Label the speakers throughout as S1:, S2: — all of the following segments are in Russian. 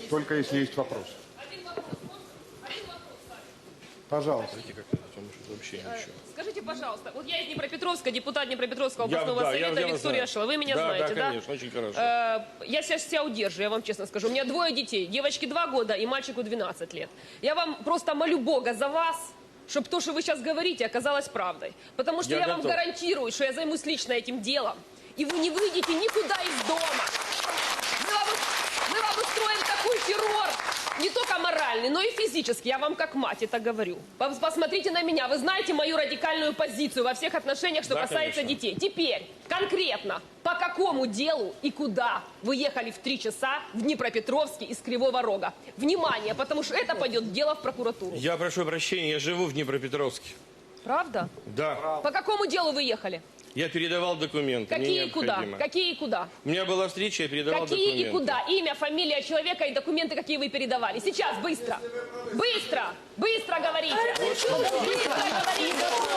S1: только если есть вопрос. Пожалуйста.
S2: Скажите, пожалуйста, вот я из Днепропетровска, депутат Днепропетровского областного совета Виктория Шила. Вы меня знаете, да?
S3: Да, конечно, очень хорошо.
S2: Я сейчас себя удержу, я вам честно скажу. У меня 2 детей. Девочке 2 года и мальчику 12 лет. Я вам просто молю Бога за вас, чтобы то, что вы сейчас говорите, оказалось правдой. Потому что я вам гарантирую, что я займусь лично этим делом. И вы не выйдете никуда из дома. Мы вам устроим такой террор. Не только моральный, но и физический. Я вам как мать это говорю. Посмотрите на меня. Вы знаете мою радикальную позицию во всех отношениях, что касается детей. Теперь, конкретно, по какому делу и куда вы ехали в 3 часа в Днепропетровске из Кривого Рога? Внимание, потому что это пойдет дело в прокуратуру.
S3: Я прошу прощения, я живу в Днепропетровске.
S2: Правда?
S3: Да.
S2: По какому делу вы ехали?
S3: Я передавал документы.
S2: Какие и куда? Какие и куда?
S3: У меня была встреча, я передавал документы.
S2: Какие и куда? Имя, фамилия человека и документы, какие вы передавали. Сейчас, быстро. Быстро! Быстро говорите! Быстро говорите!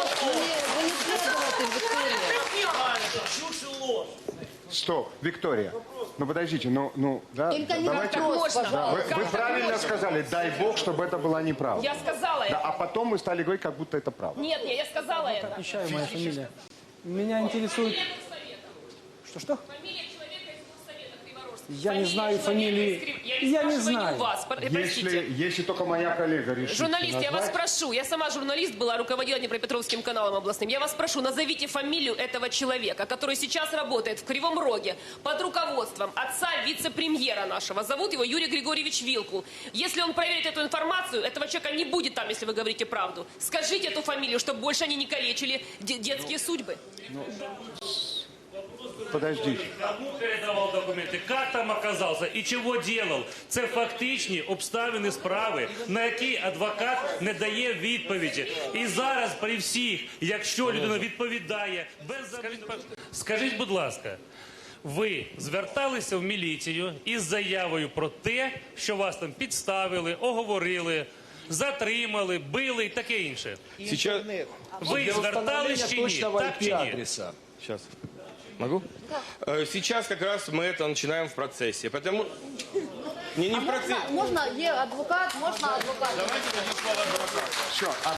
S1: Стоп, Виктория. Ну подождите, да,
S4: Только не
S1: давайте.
S4: вопрос, пожалуйста.
S1: Вы правильно сказали, дай бог, чтобы это была неправда.
S2: Я сказала это.
S1: Да, а потом мы стали говорить, как будто это правда.
S2: Нет, я сказала это.
S5: Отвечаю, моя фамилия. Меня интересует... Что-что?
S2: Фамилия человека из Горсовета Криворожска.
S5: Я не знаю фамилии. Я не знаю.
S2: Вас, простите.
S1: Если только моя коллега решит.
S2: Журналист, я вас
S1: назвать.
S2: прошу, я сама журналист была, руководила Днепропетровским каналом областным. Я вас прошу, назовите фамилию этого человека, который сейчас работает в Кривом Роге под руководством отца вице-премьера нашего. Зовут его Юрий Григорьевич Вилкул. Если он проверит эту информацию, этого человека не будет там, если вы говорите правду. Скажите эту фамилию, чтобы больше они не калечили детские судьбы.
S1: Подождите.
S6: Кому передавав документи, як там оказався і чого делав? Це фактичні обставини справи, на які адвокат не дає відповіді. І зараз при всіх, якщо людина відповідає без... Скажіть, будь ласка, ви зверталися в міліцію із заявою про те, що вас там підставили, оговорили, затримали, били і таке інше?
S3: Сейчас...
S6: Ви звертались чи ні? Так чи ні?
S3: Сейчас. Могу? Сейчас как раз мы это начинаем в процессе. Потому... Не в процессе.
S4: Можна, є адвокат, можна адвокат.
S3: Давайте дадим слово адвокату.
S1: Все.